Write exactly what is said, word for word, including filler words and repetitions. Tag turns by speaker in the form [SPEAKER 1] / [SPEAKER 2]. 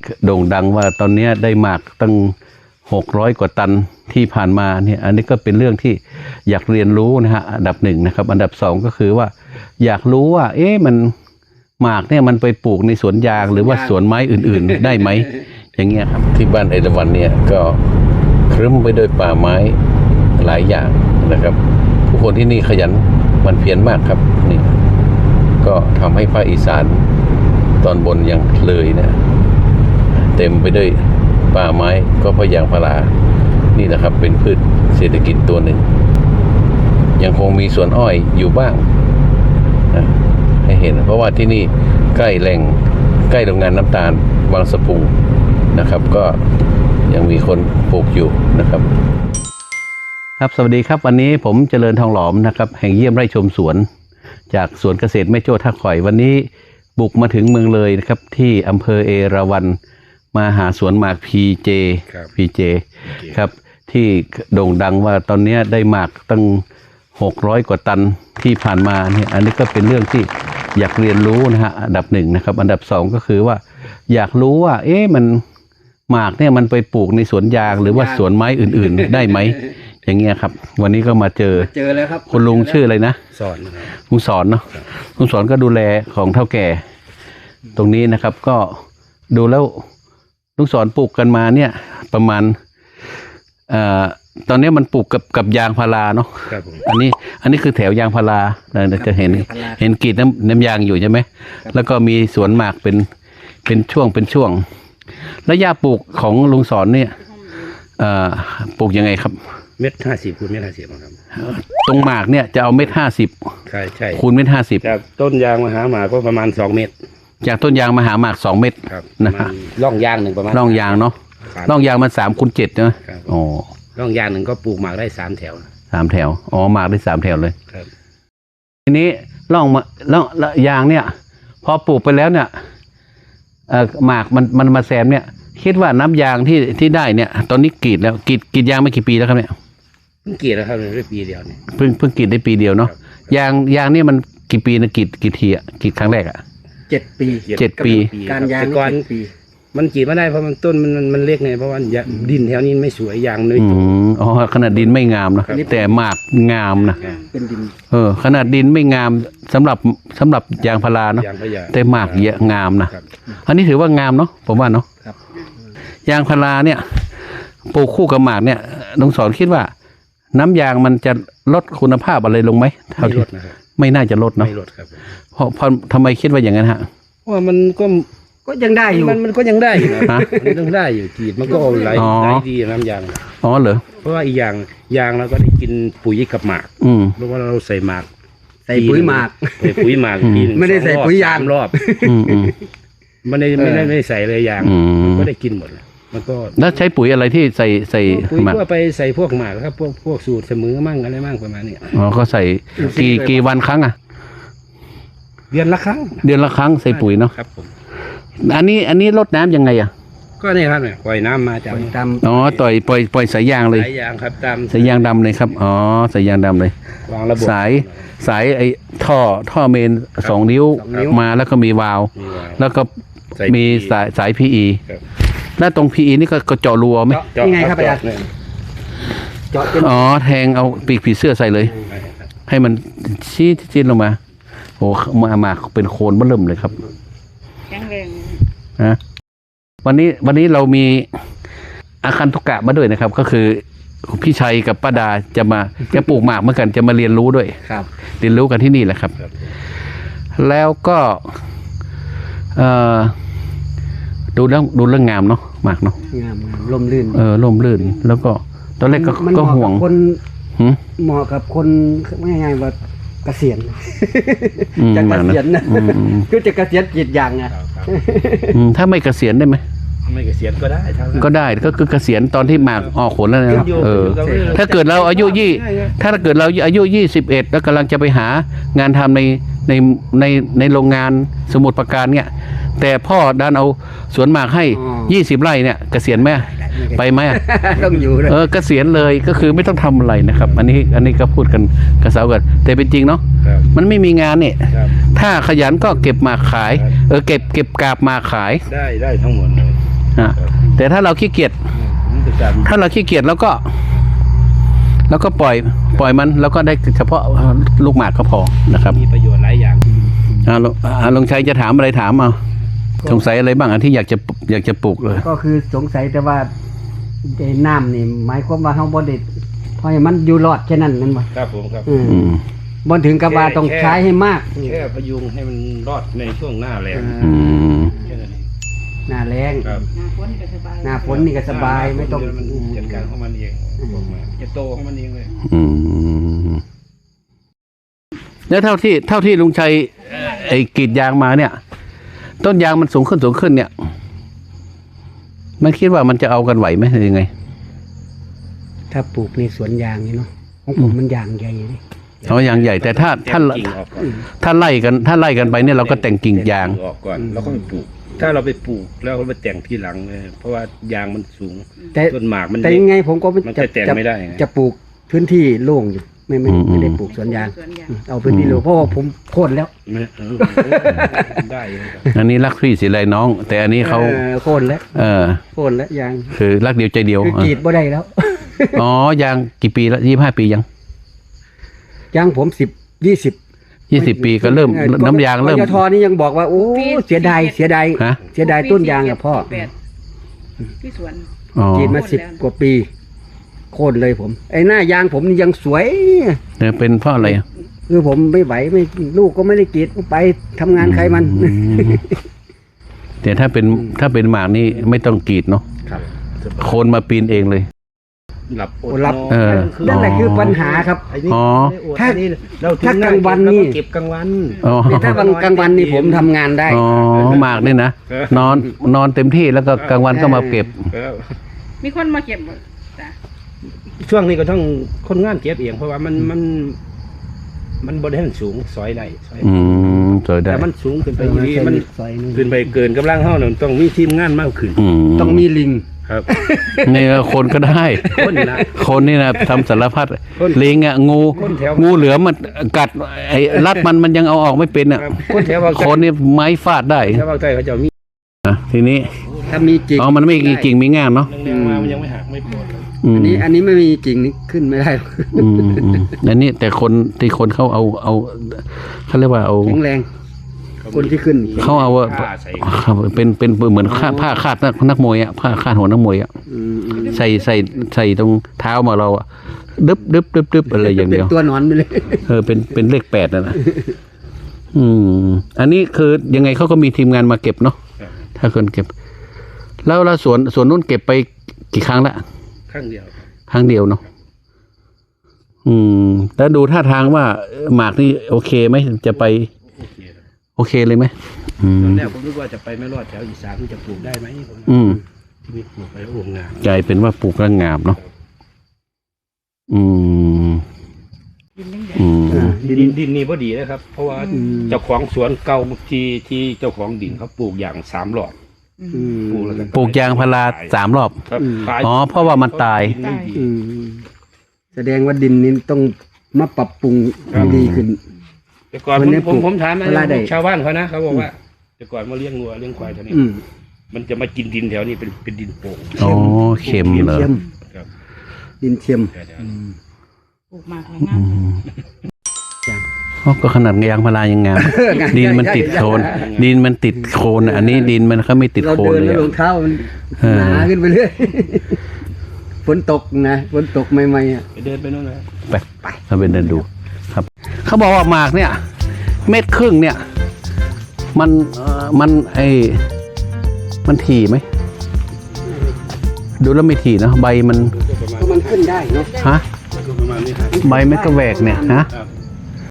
[SPEAKER 1] โด่งดังว่าตอนนี้ได้หมากตั้งหกร้อยกว่าตันที่ผ่านมาเนี่ยอันนี้ก็เป็นเรื่องที่อยากเรียนรู้นะฮะอันดับหนึ่งนะครับอันดับสองก็คือว่าอยากรู้ว่าเอ๊ะมันหมากเนี่ยมันไปปลูกในสวนยางหรือว่าสวนไม้อื่นๆได้ไหมอย่างเงี้ยครับที่บ้านเอราวัณเนี่ยก็ครึ้มไปด้วยป่าไม้หลายอย่างนะครับผู้คนที่นี่ขยันหมั่นเพียรมากครับนี่ก็ทำให้ภาคอีสานตอนบนยังเลยเนี่ยเต็มไปด้วยป่าไม้ก็เพราะยางพารานี่แหละครับเป็นพืชเศรษฐกิจตัวหนึ่งยังคงมีสวนอ้อยอยู่บ้างนะให้เห็นเพราะว่าที่นี่ใกล้แหล่งใกล้โรงงานน้ำตาลบางสะพุงนะครับก็ยังมีคนปลูกอยู่นะครับครับสวัสดีครับวันนี้ผมเจริญทองหลอมนะครับแห่งเยี่ยมไร่ชมสวนจากสวนเกษตรแม่โจ้ท่าข่อยวันนี้บุกมาถึงเมืองเลยนะครับที่อำเภอเอราวัณมาหาสวนหมาก พี เจ พี เจ ครับที่โด่งดังว่าตอนนี้ได้หมากตั้งหกร้อยกว่าตันที่ผ่านมาเนี่ยอันนี้ก็เป็นเรื่องที่อยากเรียนรู้นะฮะอันดับหนึ่งนะครับอันดับสองก็คือว่าอยากรู้ว่าเอ๊ะมันหมากเนี่ยมันไปปลูกในสวนยางหรือว่าสวนไม้อื่นๆได้ไหมอย่างเงี้ยครับวันนี้ก็มาเจอ
[SPEAKER 2] เจอแล้วครับ
[SPEAKER 1] คุณลุงชื่ออะไรนะ
[SPEAKER 2] สอน
[SPEAKER 1] ลุงสอนเนาะลุงสอนก็ดูแลของเฒ่าแก่ตรงนี้นะครับก็ดูแล้วลุงสอนปลูกกันมาเนี่ยประมาณเอ่อตอนนี้มันปลูกกับกับยางพาราเนาะอันนี้อันนี้คือแถวยางพาราเราจะเห็นเห็นกรีดน้ำน้ำยางอยู่ใช่ไหมแล้วก็มีสวนหมากเป็นเป็นช่วงเป็นช่วงแล้วหญ้าปลูกของลุงสอนเนี่ยเอ่อปลูกยังไงครับ
[SPEAKER 2] เม็ดห้าสิบคูณเม็ดห้าสิบครับ
[SPEAKER 1] ตรงหมากเนี่ยจะเอาเม็ดห้าสิบ
[SPEAKER 2] ใช่ใช่
[SPEAKER 1] คูณเม็ดห้าสิบ
[SPEAKER 2] จากต้นยางมาหาหมากก็ประมาณสองเม็ด
[SPEAKER 1] จากต้นยางมาหาหมากสองเม็ดนะฮะ
[SPEAKER 2] ร่องยางหนึ่งประมาณ
[SPEAKER 1] ร่องยางเนาะร่องยางมันสามคูณเจ็ดนะอ๋อ
[SPEAKER 2] ร่องยางหนึ่งก็ปลูกหมากได้สามแถว
[SPEAKER 1] สามแถวอ๋อหมากได้สามแถวเลยครับทีนี้ร่องมาร่องยางเนี่ยพอปลูกไปแล้วเนี่ยเอ่อหมากมันมันมาแซมเนี่ยคิดว่าน้ำยางที่ที่ได้เนี่ยตอนนี้กรีดแล้วกรีดกรีดยางมากี่ปีแล้วครับเนี่ย
[SPEAKER 2] เพิ่งกรีดแล้วครับได้ปีเดียวเนี่ย
[SPEAKER 1] เพิ่งเพิ่งกรีดได้ปีเดียวเนาะยางยางนี่มันกี่ปีนะกรีดกี่ทีอ่ะกรีดครั้งแรกอ่ะ
[SPEAKER 2] เจ็ดปี
[SPEAKER 1] เจ็ดปี
[SPEAKER 2] การยางก่อนปีมันกรีดไม่ได้เพราะมันต้นมันมันเล็กไงเพราะว่าดินแถวนี้ไม่สวยยางเลย
[SPEAKER 1] อ๋อขนาดดินไม่งามนะแต่หมากงามนะ
[SPEAKER 2] เป็นดิน
[SPEAKER 1] เออขนาดดินไม่งามสำหรับสำหรับยางพาราเนาะแต่หมากเยอะงามนะอันนี้ถือว่างามเนาะผมว่าเนาะยางพาราเนี่ยปลูกคู่กับหมากเนี่ยน้องสอนคิดว่าน้ำยางมันจะลดคุณภาพอะไรลงไหมเท่าที่ไม่น่าจะลดเนาะ
[SPEAKER 2] ไม่ลดครับ
[SPEAKER 1] เพราะเพราะทำไมคิดว่าอย่างนั้นฮะ
[SPEAKER 2] ว่ามันก็ก็ยังได้อยู่มันมันก็ยังได้อยู่นะมันยังได้อยู่กรีดมันก็ไหลไหลดีน้ำยาง
[SPEAKER 1] อ๋อเหรอ
[SPEAKER 2] เพราะว่าอีกอย่างยางเราก็ได้กินปุ๋ยกับหมาก
[SPEAKER 1] อืม
[SPEAKER 2] เพราะว่าเราใส่หมาก
[SPEAKER 3] ใส่ปุ๋ยหมาก
[SPEAKER 2] ใส่ปุ๋ยหมากปีนึง
[SPEAKER 3] ไม่ได้ใส่ปุ๋ยยาง
[SPEAKER 2] รอบมันไม่ไม่ได้ไม่ได้ใส่เลยยางก็ได้กินหมดมันก็
[SPEAKER 1] แล้วใช้ปุ๋ยอะไรที่ใส่ใส่
[SPEAKER 2] ปุ๋ยก็ไปใส่พวกหมากครับพวกพวกสูตรเสมอมั่งอะไรมั่งประมาณนี้
[SPEAKER 1] อ๋อก็ใส่กี่กี่วันครั้งอ่ะ
[SPEAKER 2] เดือนละครั้ง
[SPEAKER 1] เดือนละครั้งใส่ปุ๋ยเนาะ
[SPEAKER 2] ครับผม
[SPEAKER 1] อันนี้อันนี้รดน้ำยังไงอ่ะ
[SPEAKER 2] ก็นี่ครับเนี่ยปล่อยน้ำมาจาก
[SPEAKER 3] ตาม
[SPEAKER 1] อ๋อต่อยปล่อยปล่อยสายยางเลย
[SPEAKER 2] สายยางครับตาม
[SPEAKER 1] สายยางดำเลยครับอ๋อสายยางดำเลยว
[SPEAKER 2] างระบบ
[SPEAKER 1] สายสายไอ้ท่อท่อเมนสองนิ้วมาแล้วก็มีวาล์วแล้วก็มีสายสายพีอีแล้วตรงพีอีนี่ก็ก็เจาะรูไหม
[SPEAKER 3] นี่ไงครับอาจารย์
[SPEAKER 1] เจาะอ๋อแทงเอาปีกผีเสื้อใส่เลยให้มันชี้ชี้ลงมาโอ้มามาเป็นโคนเบิ่มเลยครับ
[SPEAKER 4] แข็งแรง
[SPEAKER 1] นะวันนี้วันนี้เรามีอาคันตุกะมาด้วยนะครับก็คือพี่ชัยกับป้าดาจะมาจะปลูกหมากเหมือนกันจะมาเรียนรู้ด้วย
[SPEAKER 3] ครับ
[SPEAKER 1] เรียนรู้กันที่นี่แหละครับแล้วก็เอ่อดูเรื่องดูเรื่องงามเนาะหมากเนาะ
[SPEAKER 3] งามร่มรื่น
[SPEAKER 1] เออร่มรื่นแล้วก็ตอนแรกก็ก็ห่วง
[SPEAKER 3] คนเหมาะกับคนไม่ง่ายว่าเกษียณจะเกษียณนะก็จะเกษียณจิตอย่างไง
[SPEAKER 1] ถ้าไม่เกษียณได้ไหม
[SPEAKER 2] ไม่เกษียณก็ได้
[SPEAKER 1] ก็ได้ก็คือเกษียณตอนที่หมากออกผลแล้วนะเออถ้าเกิดเราอายุยี่ถ้าเกิดเราอายุยี่สิบเอ็ดแล้วกำลังจะไปหางานทำในในในในโรงงานสมุทรปราการเนี่ยแต่พ่อดันเอาสวนหมากให้ยี่สิบไร่เนี่ยเกษียณไหมไปไหม
[SPEAKER 3] ต้องอยู่เลย
[SPEAKER 1] เออเกษียณเลยก็คือไม่ต้องทำอะไรนะครับอันนี้อันนี้ก็พูดกันกระเซากันแต่เป็นจริงเนาะมันไม่มีงานเนี่ยถ้าขยันก็เก็บหมากขายเออเก็บเก็บกาบหมากขาย
[SPEAKER 2] ได้ได้ทั้งหมดเลย
[SPEAKER 1] ฮะแต่ถ้าเราขี้เกียจ
[SPEAKER 2] มันจะการ
[SPEAKER 1] ถ้าเราขี้เกียจแล้วก็ แล้วก็ปล่อยปล่อยมันแล้วก็ได้เฉพาะลูกหมากก็พอนะครับ
[SPEAKER 2] มีประโยชน์หลายอย่าง
[SPEAKER 1] อ่าลุงอ่าลุงชัยจะถามอะไรถามเอาสงสัยอะไรบ้างอ่ะที่อยากจะอยากจะปลูกเลย
[SPEAKER 3] ก็คือสงสัยแต่ว่าไอ้น้ำนี่หมายความว่าเฮาบ่ได้เพราะให้มันอยู่รอดแค่นั้นนั่นบ่
[SPEAKER 2] ครับผมครับ
[SPEAKER 3] อืม
[SPEAKER 1] อืม
[SPEAKER 3] บ่ถึงกับว่าต้องใช้ให้มาก
[SPEAKER 2] แค่พยุงให้มันรอดในช่วงหน้าแรง
[SPEAKER 1] อืม
[SPEAKER 2] แค่นั้นเอง
[SPEAKER 3] หน้าแรง
[SPEAKER 2] ครับ
[SPEAKER 4] หน้าฝนก็สบาย
[SPEAKER 3] หน้าฝนนี่ก็สบายไม่ต้อง
[SPEAKER 2] มันจัดการของมันเองบอกมาจะโตของมันเองเลย
[SPEAKER 1] อืมแล้วเท่าที่เท่าที่ลุงชัยเอ่อไอ้กรีดยางมาเนี่ย ต้นยางมันสูงขึ้นสูงขึ้นเนี่ย มันคิดว่ามันจะเอากันไหวไหมหรือยังไง
[SPEAKER 3] ถ้าปลูกในสวนยางนี่เนาะของผมมันยางใหญ่เลย
[SPEAKER 1] เอายางใหญ่แต่ถ้าถ้า
[SPEAKER 2] แต่งกิ่งออกก่อน
[SPEAKER 1] ถ้าไล่กันถ้าไล่กันไปเนี่ยเราก็แต่งกิ่งยาง
[SPEAKER 2] ออกก่อนแล้วก็ไปปลูก ถ้าเราไปปลูกแล้วเราไปแต่งทีหลังเลยเพราะว่ายางมันสูง
[SPEAKER 3] แต่
[SPEAKER 2] ต้นหมากมัน
[SPEAKER 3] แต่
[SPEAKER 2] เล็ก
[SPEAKER 3] ยังไงผมก็
[SPEAKER 2] มันจะแต่งไม่ได้ไง
[SPEAKER 3] จะปลูกพื้นที่โล่งอยู่ไม่ไม่
[SPEAKER 1] อืม
[SPEAKER 3] ไม่ได้ปลูกสวนยาง
[SPEAKER 4] สวนยาง
[SPEAKER 3] เอาพื้นที่โล่งเพราะว่าผมโค่นแล้ว
[SPEAKER 2] ไม่เออได้เลยครับ
[SPEAKER 1] อันนี้รักพี่สิไรน้อง แต่อันนี้เขา
[SPEAKER 3] ออโค่นแล้ว
[SPEAKER 1] เออ
[SPEAKER 3] โค่นแล้วยาง
[SPEAKER 1] คือรักเดียวใจเดียว
[SPEAKER 3] คือกรีดบ่ได้แล้ว
[SPEAKER 1] อ๋อยางกี่ปีแล้วยี่ห้าปียัง
[SPEAKER 3] ยางผมสิบยี่สิบ
[SPEAKER 1] ยี่สิบปีก็เริ่มน้ำยางเริ่ม
[SPEAKER 3] กยทนี่ยังบอกว่าโอ้เสียดายเสียดาย
[SPEAKER 1] ฮะ
[SPEAKER 3] เสียดายต้นยางอะพ่อ
[SPEAKER 4] แปดที่สวน
[SPEAKER 1] อ๋อก
[SPEAKER 3] รีดมาสิบกว่าปี โค่นเลยผม ไอ้หน้ายางผมนี่ยังสวย
[SPEAKER 1] เนี่ยเป็นเพราะอะไรอ่ะ
[SPEAKER 3] คือผมไม่ไหวไม่ลูกก็ไม่ได้กรีดไปทำงานใครมัน
[SPEAKER 1] อืมแต่ถ้าเป็นถ้าเป็นหมากนี่ไม่ต้องกรีดเนาะ
[SPEAKER 3] ครับ
[SPEAKER 1] โคนมาปีนเองเลย
[SPEAKER 2] หลับอด
[SPEAKER 3] หลับ
[SPEAKER 2] นอน
[SPEAKER 1] เออ
[SPEAKER 3] นั่นแหละคือปัญหาครับ
[SPEAKER 2] ไอ้นี่
[SPEAKER 1] อ๋อ
[SPEAKER 3] ถ้า
[SPEAKER 2] ไอ้นี่เรา
[SPEAKER 3] ถ้ากลางวันนี่
[SPEAKER 2] เก็บกลางวัน
[SPEAKER 1] อ๋อ
[SPEAKER 3] เนี่ยถ้าวันกลางวันนี่ผมทำงานได้
[SPEAKER 1] อ๋อหมากนี่นะ
[SPEAKER 2] เออ
[SPEAKER 1] นอนนอนเต็มที่แล้วก็กลางวันก็มาเก็บ
[SPEAKER 2] เออ
[SPEAKER 4] มีคนมาเก็บบ่จ้ะ
[SPEAKER 2] ช่วงนี้ก็ต้องคนงานเก็บเองเพราะว่ามันมัน มันบริเวณสูงซอยได้ซอย
[SPEAKER 1] อืมสวยได้
[SPEAKER 2] แต่มันสูงขึ้นไป
[SPEAKER 3] เออ
[SPEAKER 2] อย่างนี้มัน
[SPEAKER 3] ซอยนึง
[SPEAKER 2] ขึ้นไปเกินกำลังเท่านั้นต้องมีทีมงานมากขึ้น
[SPEAKER 1] อืม
[SPEAKER 3] ต้องมีลิง
[SPEAKER 2] ครับ
[SPEAKER 1] นี่ก็คนก็ได้
[SPEAKER 2] คนนะ
[SPEAKER 1] คนนี่นะทำสารพัด
[SPEAKER 2] คน
[SPEAKER 1] ลิงอ่ะงู
[SPEAKER 2] คนแถว
[SPEAKER 1] งูเหลือมมันกัดไอ้รัดมันมันยังเอาออกไม่เป็นอ่ะ
[SPEAKER 2] ครับคนแถวภาค
[SPEAKER 1] ค
[SPEAKER 2] ใต้
[SPEAKER 1] นนี่ไม้ฟาดได้
[SPEAKER 2] แถวภาคใต้เขาจะมี
[SPEAKER 1] อ่ะทีนี้
[SPEAKER 3] ถ้ามีจริง
[SPEAKER 1] อ๋อมันไม่มีกิ่งมีง่ามเนาะ
[SPEAKER 2] แรงๆมามันยังไม่หักไม่ปวดเลย
[SPEAKER 1] อืม
[SPEAKER 3] อันนี้อันนี้ไม่มีจริงนี่ขึ้นไม่ได้หรอก
[SPEAKER 1] อืมอืมอันนี้แต่คนที่คนเขาเอาเอาเขาเรียกว่าเอา
[SPEAKER 3] แข็งแรง คนที่ขึ้น
[SPEAKER 1] เขาเอาว่า
[SPEAKER 2] ผ้ใส่
[SPEAKER 1] เป็นเป็นเหมือนผ้าผ้าคาดนักนักมวยอ่ะผ้าคาดหัวนักมวยอ่ะ
[SPEAKER 3] อืมอืม
[SPEAKER 1] ใส่ใส่ใส่ตรงเท้ามาเราอ่ะดึบดึบดึบดึบอะไรอย่างเดียว
[SPEAKER 3] ป็นตัวหนอนไปเลย
[SPEAKER 1] เออเป็นเป็นเลขแปดนะนะอืม อันนี้คือยังไงเขาก็มีทีมงานมาเก็บเนาะ
[SPEAKER 2] ครับ
[SPEAKER 1] ถ้าคนเก็บ แล้วเราสวนสวนนู้นเก็บไปกี่ครั้งละ
[SPEAKER 2] ข้างเดียว
[SPEAKER 1] ครั้งเดียวเนาะอืม แล้วดูท่าทางว่าหมากนี่โอเคไหมจะไป
[SPEAKER 2] โอเคครับ
[SPEAKER 1] โอเคเลยไหมอื
[SPEAKER 2] ต
[SPEAKER 1] ม
[SPEAKER 2] อนแรกผมนึกว่าจะไปไม่รอดแถวอีสานจะปลูกได้ไหมผม
[SPEAKER 1] อืม
[SPEAKER 2] ที่มีปลูกไปแล้วโอ่งงาม
[SPEAKER 1] กลายเป็นว่าปลูกแล้วงามเนาะอืม
[SPEAKER 4] ดินยังใหญ่
[SPEAKER 1] อืม
[SPEAKER 3] อ่า
[SPEAKER 2] ดิ
[SPEAKER 3] ดิ
[SPEAKER 2] น
[SPEAKER 3] น
[SPEAKER 2] ดินนี่พอดีนะครับ เพราะว่า
[SPEAKER 3] อืม
[SPEAKER 2] เจ้าของสวนเก่าที่ที่เจ้าของดินเขาปลูกอย่างสามหลอด
[SPEAKER 4] อืม
[SPEAKER 3] อืม
[SPEAKER 2] ปลูกแล้วกัน
[SPEAKER 1] ปลูกยางพาราสามรอบ
[SPEAKER 2] ครับ
[SPEAKER 3] อืม
[SPEAKER 2] ขาย
[SPEAKER 1] อ๋อเพราะว่ามันตาย
[SPEAKER 2] ดินดี
[SPEAKER 3] อืมแสดงว่าดินนี้ต้องมาปรับปรุงให้ดีขึ้น
[SPEAKER 2] แต่ก่อน
[SPEAKER 3] วั
[SPEAKER 2] ผ
[SPEAKER 3] น
[SPEAKER 2] ม
[SPEAKER 3] นี้
[SPEAKER 2] ผม
[SPEAKER 3] ปลูก
[SPEAKER 2] ผมถามนะ
[SPEAKER 3] เวลาใด
[SPEAKER 2] ชาวบ้านเขานะเขาบอกว่า แต่ก่อนมาเลี้ยงงัวเลี้ยงควายแถวนี้
[SPEAKER 3] อืม
[SPEAKER 2] มันจะมากินดินแถวนี้เป็นเป็นดินโป่ง
[SPEAKER 1] อ๋อเค็มเหรอ
[SPEAKER 3] เทียม
[SPEAKER 2] ครับ
[SPEAKER 3] ดินเทียม
[SPEAKER 2] แถว
[SPEAKER 3] อื
[SPEAKER 2] ๆ
[SPEAKER 3] ม
[SPEAKER 4] ปลูกหมากแล้วงา
[SPEAKER 1] อื
[SPEAKER 4] ม
[SPEAKER 1] ม
[SPEAKER 3] จ้ะ
[SPEAKER 1] อ๋อก็ขนาดยางพารายังงาม ดินมันติดโคลนดินมันติดโคลนอันนี้ดินมันเขาไม่ติด
[SPEAKER 3] เรา
[SPEAKER 1] โคลน
[SPEAKER 3] เดิน
[SPEAKER 1] เล
[SPEAKER 3] แล้
[SPEAKER 1] ยว
[SPEAKER 3] รองเท้ามัน
[SPEAKER 1] เออ
[SPEAKER 3] หนาขึ้นไปเรื่อย ฝนตกนะฝนตกใหม่ๆอ่ะ
[SPEAKER 2] ไปเดินไปนู่นนะ
[SPEAKER 1] ไปไปเราไปเดินดู ครับ เขาบอกว่าหมากเนี่ย เม็ดครึ่งเนี่ย มันเอ่อมันไอมันถี่ไหมดูแล้วไม่ถี่นะใบมัน
[SPEAKER 2] ก็ประมาณ
[SPEAKER 3] ก็มันขึ้นได้เนาะ
[SPEAKER 1] ฮะ
[SPEAKER 2] ก็ประมาณนี้ครับ
[SPEAKER 1] ใบมันก็แหวกเนี่ยฮะ
[SPEAKER 2] ครับ